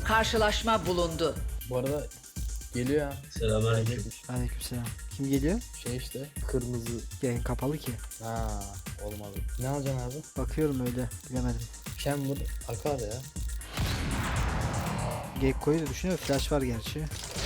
Karşılaşma bulundu. Bu arada geliyor ya. Selamünaleyküm. Aleykümselam. Kim geliyor? Şey işte kırmızı. Yayın kapalı ki. Ha olmadı. Ne alacaksın abi? Bakıyorum öyle. Bilemedim. Chamber akar ya. Gekko'yu da düşünüyorum. Flash var gerçi.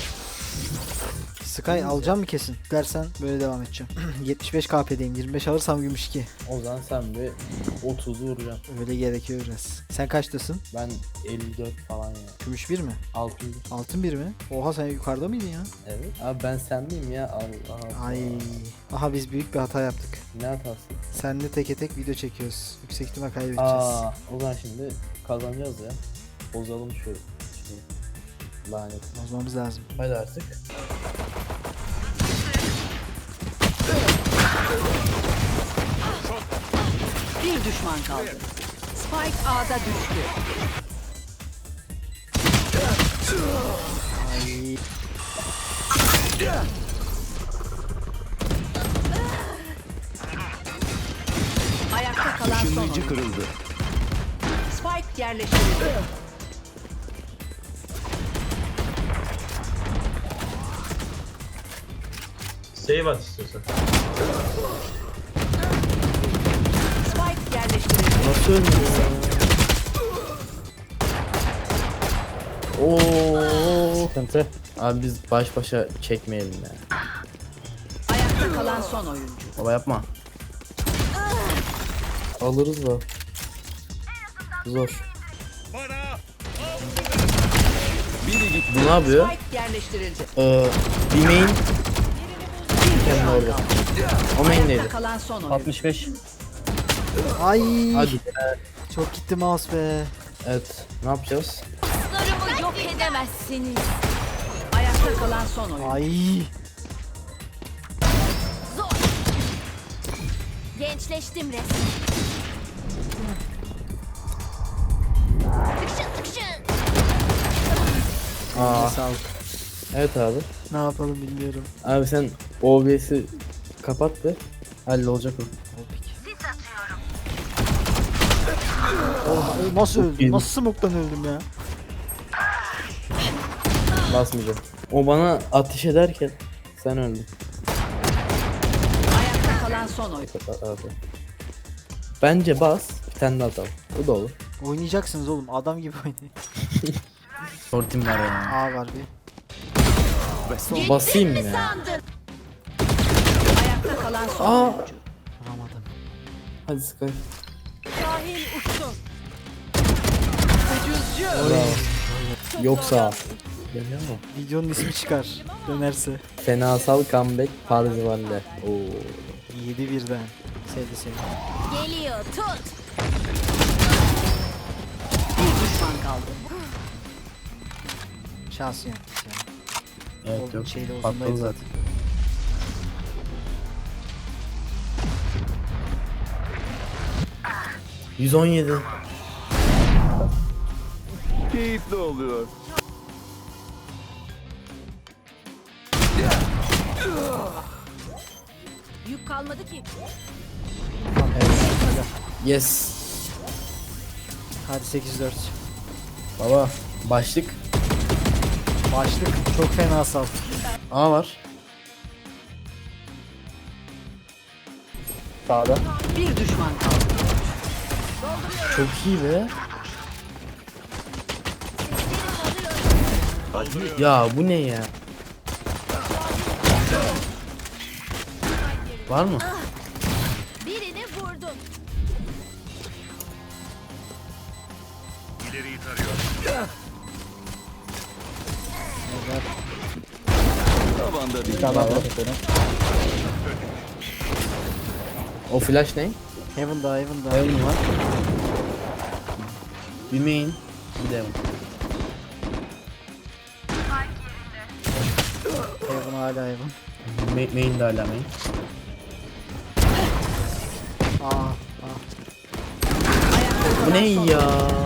Sky alacağım mı kesin? Dersen böyle devam edeceğim. 75 KP'deyim. 25 alırsam gümüş 2. O zaman sen bir 30'u vuracaksın. Öyle gerekiyor biraz. Sen kaçtasın? Ben 54 falan ya. Gümüş 1 mi? 600. Altın 1 mi? Oha sen yukarıda mıydın ya? Evet. Abi ben sen miyim ya? Allah Allah. Ay. Aha biz büyük bir hata yaptık. Ne hatası? Seninle teke tek video çekiyoruz. Yüksek ihtimal kaybedeceğiz. O zaman şimdi kazanacağız ya. Bozalım şu şeyi. Lanet. Bozmamız lazım. Hadi artık. Bir düşman kaldı. Spike A'da düştü. Ay. Ayakta kalan son oyuncu. kırıldı. Spike yerleştirildi. Save at istiyorsan. Spike yerleştirildi. Nasıl ölmüyor? Oo. Sıkıntı. Abi biz baş başa çekmeyelim ya. Ayakta kalan son oyuncu. Baba yapma. Alırız da. Zor. Bu ne yapıyor? Spike yerleştirildi. Bir main kendi orada. O main Ayakta neydi? kalan son oyuncu. 65. Ay. Hadi. Çok gitti mouse be. Evet. Ne yapacağız? Dostlarımı yok edemezsiniz. Ayakta kalan son oyuncu. Ay. Zor. Gençleştim resmen. Tıkşın tıkşın. Aa. Sağ ol. Evet abi. Ne yapalım bilmiyorum. Abi sen OBS'i kapat be. Hallolacak o. Oh, nasıl öldüm? iyi. Nasıl smoke'tan öldüm ya? Basmayacağım. O bana ateş ederken sen öldün. Ayakta kalan son oyuncu. Abi. Bence bas. Bir tane daha atalım. Bu da olur. Oynayacaksınız oğlum. Adam gibi oynayın. Sortim var ya. A var bir. Basayım mı ya? Sandın. Ayakta kalan son Aa. oyuncu. Vuramadım. Hadi Sky. Şahin uçtu. Bravo. Yoksa. Geliyor mu? Videonun ismi çıkar. Dönerse. Fenasal comeback Parzival'le. Oo. 7 birden. Sevdi sevdi. Geliyor tut. Bir düşman kaldı. Şansı yaptık ya. Evet Oğlum yok. şeyde Patladı uzundayız zaten. ...117. Keyifli oluyor. Yük kalmadı ki. Yes. Hadi 8-4. Baba. Başlık. Başlık çok fena sal. A var. Sağda. Bir düşman kaldı. Çok iyi be. Ya bu ne ya? Var mı? Birini vurdum. Tavanda bir O flash ne? Heaven'da Heaven'da. Heaven var. Bir main. Bir de Heaven. Heaven hala Heaven. Main de hala main. Aa. Bu ne ya?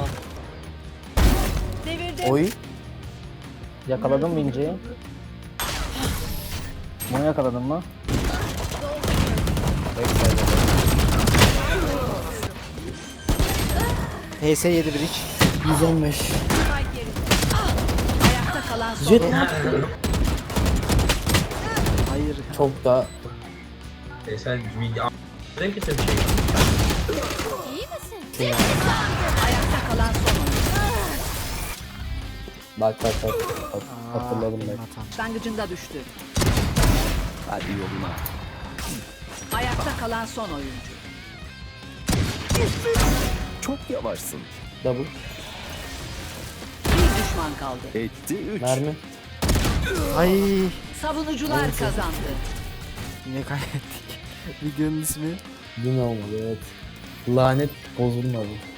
Devirde. Oy. Yakaladın mı İnce'yi? Bunu yakaladın mı? HS 7 bridge. 115. kalan son Jet oyuncu. Hayır. çok daha Sen renk kesin şey. İyi misin? Ayakta kalan son oyuncu. bak. Hatırladım ben. Hatan. Başlangıcında düştü. Hadi yoluna. Ayakta kalan son oyuncu. Çok yavaşsın. Double. Bir düşman kaldı. Etti 3. Mermi. Ay Savunucular kazandı. yine kaybettik. Videonun ismi Yine olmadı evet. Lanet bozulmadı.